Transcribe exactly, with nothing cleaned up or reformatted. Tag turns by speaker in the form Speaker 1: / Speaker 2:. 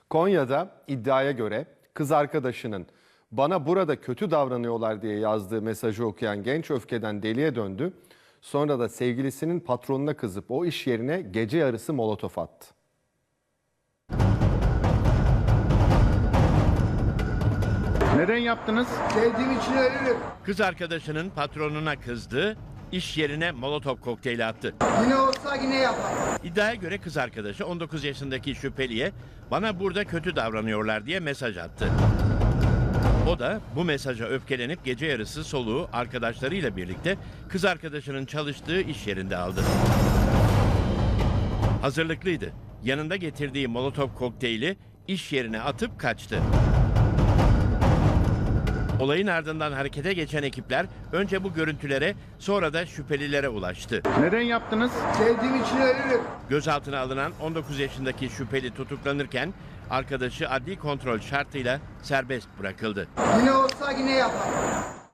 Speaker 1: Konya'da iddiaya göre kız arkadaşının bana burada kötü davranıyorlar diye yazdığı mesajı okuyan genç öfkeden deliye döndü. Sonra da sevgilisinin patronuna kızıp o iş yerine gece yarısı molotof attı.
Speaker 2: Neden yaptınız?
Speaker 3: Sevdiğim için ölürüm.
Speaker 4: Kız arkadaşının patronuna kızdı, iş yerine molotof kokteyli attı.
Speaker 3: Yine olsa yine yapar.
Speaker 4: İddiaya göre kız arkadaşı on dokuz yaşındaki şüpheliye bana burada kötü davranıyorlar diye mesaj attı. O da bu mesaja öfkelenip gece yarısı soluğu arkadaşlarıyla birlikte kız arkadaşının çalıştığı iş yerinde aldı. Hazırlıklıydı. Yanında getirdiği molotof kokteyli iş yerine atıp kaçtı. Olayın ardından harekete geçen ekipler önce bu görüntülere, sonra da şüphelilere ulaştı.
Speaker 2: Neden yaptınız?
Speaker 3: Sevdiğim için ölürüm.
Speaker 4: Gözaltına alınan on dokuz yaşındaki şüpheli tutuklanırken arkadaşı adli kontrol şartıyla serbest bırakıldı.
Speaker 3: Yine olsa yine yapar.